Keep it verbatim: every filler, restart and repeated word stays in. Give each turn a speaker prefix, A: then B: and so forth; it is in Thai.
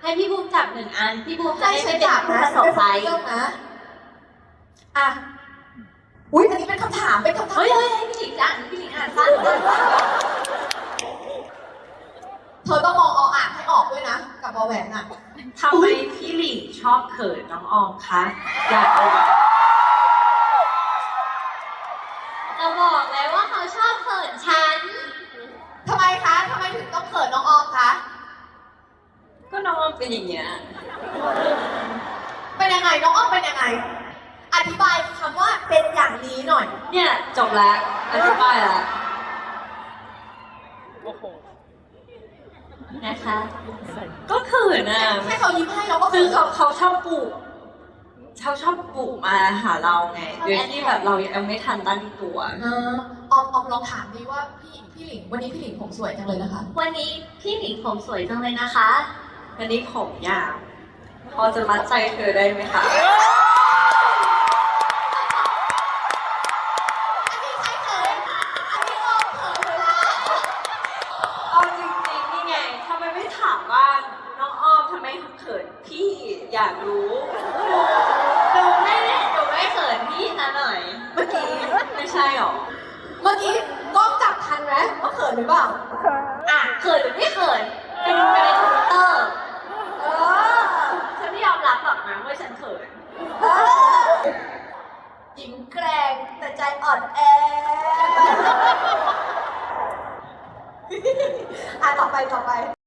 A: ให้พี่บูมจับหนึ่งอันพี่บูมจะ
B: ให้
A: ได้
B: ฉั
A: ไม่
B: น
A: เป็น
B: จับ
A: ผู้
B: นะ
A: ประสบภัย
B: เรื่องนะอ่ะอุ้ยอันนี้เป็นคำถามเป็นคำถาม
A: เฮ้ยเฮ้ยให้พี่หลิงอ่านพี่หลิงอ่านสั้น
B: เธอต้องมองออ่างให้ออกด้วยนะกับบอแหวนอ่ะ
C: ทำไมพี่หลิงชอบเขินน้องออมคะอยากรู้
A: จะบอกเลยว่าเขาชอบเขินฉัน
B: ทำไมคะทำไมถึงต้องเขินน้องออมคะ
C: ก็น้องออมเป็นอย่างเงี้ย
B: เป็นยังไงน้องออมเป็นยังไง อธิบายคำว่าเป็นอย่างนี้หน่อย
C: เนี่ยจบแล้วอธิบายแล้ว
A: นะคะ
C: ก็เขินอ่ะ
B: ให้เขายิ้มให้เราก็
C: คื
B: คือ อ
C: เขาเขาชอบปลูกเขาชอบปลูกมาหาเราไงโดยที่แบบเรายังไม่ทันตั้งตัว
B: เออออมออมลองถามดีว่าพี่พี่หลิงวันนี้พี่หลิงผมสวยจังเลยนะคะ
A: วันนี้พี่หลิงผมสวยจังเลยนะคะ
C: วันนี้ผมยาวพอจะมัดใจเธอได้ไหมคะ
B: อันนี้ใครเขินอันนี้ออมเขินเลยนะ
C: เอาจริงๆนี่ไงทำไมไม่ถามว่าน้องอ้อมทำไมเขินพี่อยากรู้
A: หนูไม่ได้หนูไม่เขินพี่ซะหน่อย
C: เมื่อกี้ไม่ใช่หรอ
B: เมื่อกี้กล้องจับทันไหมว่าเขินหรือเปล่า
A: อ่ะเขินหรือไม่เขินเป็นเป็นในทวิตเตอร์
B: เออ
A: ฉันไม่ยอมรับหรอกนะว่าฉันเขิน
B: เออหญิงแกร่งแต่ใจอ่อนแอ อ่ะต่อไปต่อไป